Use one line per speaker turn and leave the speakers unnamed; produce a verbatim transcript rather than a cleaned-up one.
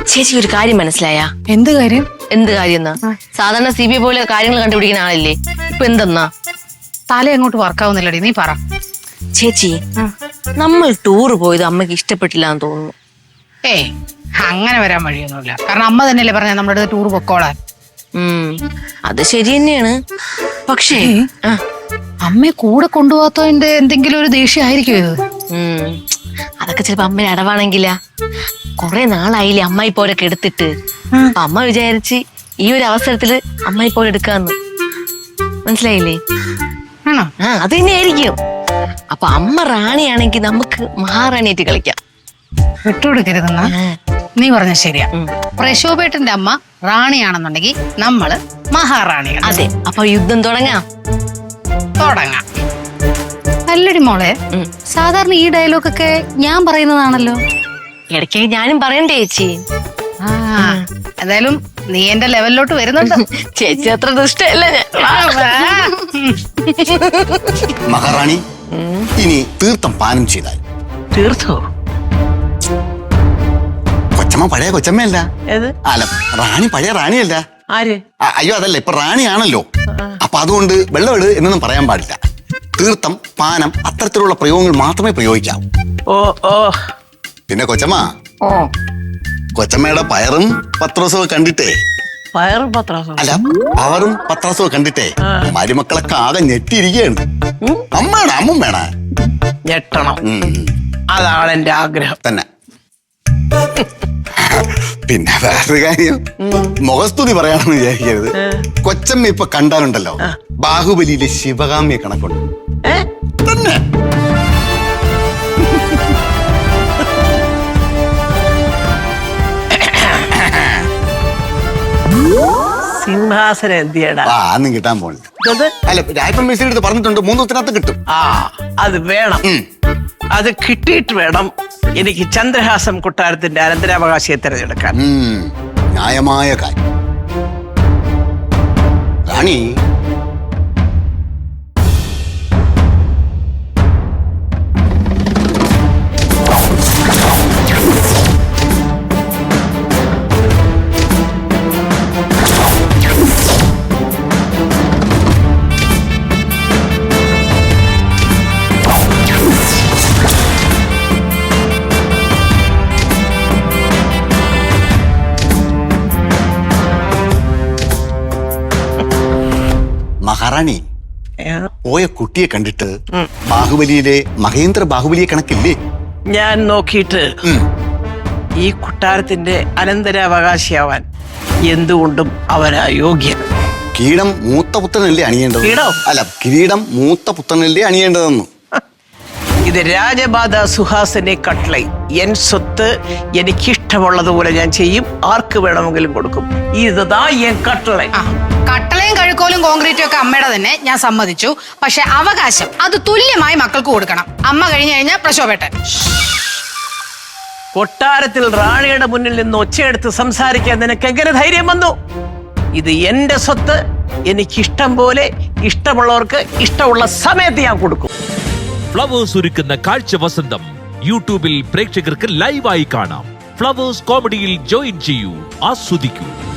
ചേച്ചി ഒരു കാര്യം മനസ്സിലായ?
എന്ത് കാര്യം?
എന്ത് കാര്യം എന്നാ? സാധാരണ സി ബി ഐ പോലെ കാര്യങ്ങൾ കണ്ടുപിടിക്കുന്ന ആളല്ലേ, ഇപ്പൊ എന്തെന്നാ
തല എങ്ങോട്ട് വർക്കാവുന്നില്ലടി, നീ പറ.
ചേച്ചി, നമ്മൾ ടൂറ് പോയത് അമ്മക്ക് ഇഷ്ടപ്പെട്ടില്ല എന്ന് തോന്നുന്നു.
ഏയ് അങ്ങനെ വരാൻ വഴിയൊന്നുമില്ല. കാരണം അമ്മ തന്നെയല്ലേ പറഞ്ഞ നമ്മുടെ അടുത്ത് ടൂർ പൊക്കോളാൻ.
ഉം അത് ശരി തന്നെയാണ്. പക്ഷേ
അമ്മയെ കൂടെ കൊണ്ടുപോകാത്തതിന്റെ എന്തെങ്കിലും ഒരു ദേഷ്യം ആയിരിക്കും ഇത്.
ഉം അതൊക്കെ ചിലപ്പോ അമ്മ അടവാണെങ്കില. കൊറേ നാളായില്ലേ അമ്മായി പോരൊക്കെ എടുത്തിട്ട്. അമ്മ വിചാരിച്ച് ഈ ഒരു അവസരത്തില് അമ്മായി പോലെ എടുക്കാന്ന്. മനസ്സിലായില്ലേ?
ആണോ?
ആ അത് തന്നെ ആയിരിക്കും. അപ്പൊ അമ്മ റാണിയാണെങ്കിൽ നമുക്ക് മഹാറാണിയായിട്ട് കളിക്കാം.
വിട്ടുകൊടുക്കരുതെന്നാ നീ പറഞ്ഞ ശരിയാ. പ്രശോഭേട്ടന്റെ അമ്മ റാണിയാണെന്നുണ്ടെങ്കിൽ നമ്മള് മഹാറാണിയാണ്.
അതെ, അപ്പൊ യുദ്ധം തുടങ്ങാം.
തുടങ്ങാം. അല്ലടി മോളെ, സാധാരണ ഈ ഡയലോഗൊക്കെ ഞാൻ പറയുന്നതാണല്ലോ.
ഇടയ്ക്ക് ഞാനും പറയണ്ടേ ചേച്ചി?
ആ എന്തായാലും നീ എന്റെ ലെവലിലോട്ട് വരുന്നുണ്ട്.
ചേച്ചി അത്ര ദുഷ്ടല്ല ഞാൻ.
മഹാറാണി, ഇനി തീർത്ഥം പാനം ചെയ്താൽ.
തീർത്തോ?
കൊച്ചമ്മ പഴയ കൊച്ചമ്മയല്ല. അല്ല, റാണി പഴയ റാണിയല്ല.
ആര്?
അയ്യോ അതല്ല, ഇപ്പൊ റാണിയാണല്ലോ. അപ്പൊ അതുകൊണ്ട് വെള്ളമെട് എന്നൊന്നും പറയാൻ പാടില്ല. തീർത്ഥം, പാനം അത്തരത്തിലുള്ള പ്രയോഗങ്ങൾ മാത്രമേ പ്രയോഗിക്കാവൂ.
ഓ ഓ
പിന്നെ കൊച്ചമ്മ, കൊച്ചമ്മയുടെ പയറും പത്രോസവും കണ്ടിട്ടേ
പയറും പത്രാസും
അല്ല പവറും പത്രാസവും കണ്ടിട്ടേ മരുമക്കളൊക്കെ ആകെ ഞെട്ടിയിരിക്കുകയാണ്. അമ്മയാണ് അമ്മ വേണ
ഞെട്ടണം, അതാണ് എന്റെ ആഗ്രഹം
തന്നെ. പിന്നെ വേറൊരു കാര്യം, മുഖസ്തുതി പറയാണെന്ന് വിചാരിക്കരുത്. കൊച്ചമ്മ ഇപ്പൊ കണ്ടാലുണ്ടല്ലോ ബാഹുബലിയിലെ ശിവകാമ്യ കണക്കുണ്ട് തന്നെ.
സിംഹാസനം എന്തിയടാ?
ആ അന്നും കിട്ടാൻ പോണില്ല. അല്ല, രായപ്പൻ മിസ്സിന്റെ അടുത്ത് പറഞ്ഞിട്ടുണ്ട് മൂന്ന് ദിവസത്തിനകത്ത് കിട്ടും.
ആ അത് വേണം. അത് കിട്ടിയിട്ട് വേണം എനിക്ക് ചന്ദ്രഹാസം കൊട്ടാരത്തിന്റെ അനന്തരാവകാശിയെ തിരഞ്ഞെടുക്കാൻ.
ന്യായമായ കാര്യം. റാണി, മഹാറാണി, പോയ കുട്ടിയെ കണ്ടിട്ട് ബാഹുബലിയിലെ മഹേന്ദ്ര ബാഹുബലിയെ കണക്കില്ലേ?
ഞാൻ നോക്കിയിട്ട് ഈ കൊട്ടാരത്തിന്റെ അനന്തരാവകാശിയാവാൻ എന്തുകൊണ്ടും അവനാ യോഗ്യൻ.
കിരീടം മൂത്ത പുത്രനല്ലേ അണിയേണ്ടത്? അല്ല, കിരീടം മൂത്ത പുത്രനല്ലേ അണിയേണ്ടതെന്ന്.
ഇത് രാജബാധ സുഹാസിനെ കട്ട്ലൈ. എൻ സ്വത്ത് എനിക്കിഷ്ടമുള്ളതുപോലെ ഞാൻ ചെയ്യും, ആർക്ക് വേണമെങ്കിലും കൊടുക്കും. ഇതാ എൻ കട്ട്ലൈ.
കട്ടളയും കഴുക്കോലും കോൺക്രീറ്റും ഒക്കെ അമ്മയുടെ തന്നെ, ഞാൻ സമ്മതിച്ചു. പക്ഷെ അവകാശം അത് തുല്യമായി മക്കൾക്ക് കൊടുക്കണം. അമ്മ കഴിഞ്ഞു കഴിഞ്ഞാൽ പ്രശോഭേട്ടൻ.
കൊട്ടാരത്തിൽ റാണിയുടെ മുന്നിൽ നിന്ന് ഒച്ചയെടുത്ത് സംസാരിക്കാൻ നിനക്ക് എങ്ങനെ ധൈര്യം വന്നു? ഇത് എന്റെ സ്വത്ത്, എനിക്കിഷ്ടം പോലെ ഇഷ്ടമുള്ളവർക്ക് ഇഷ്ടമുള്ള സമയത്ത് ഞാൻ കൊടുക്കും.
ഫ്ലവേഴ്സ് ഒരുക്കുന്ന കാഴ്ച വസന്തം യൂട്യൂബിൽ പ്രേക്ഷകർക്ക് ലൈവായി കാണാം. ഫ്ലവേഴ്സ് കോമഡിയിൽ ജോയിൻ ചെയ്യൂ, ആസ്വദിക്കൂ.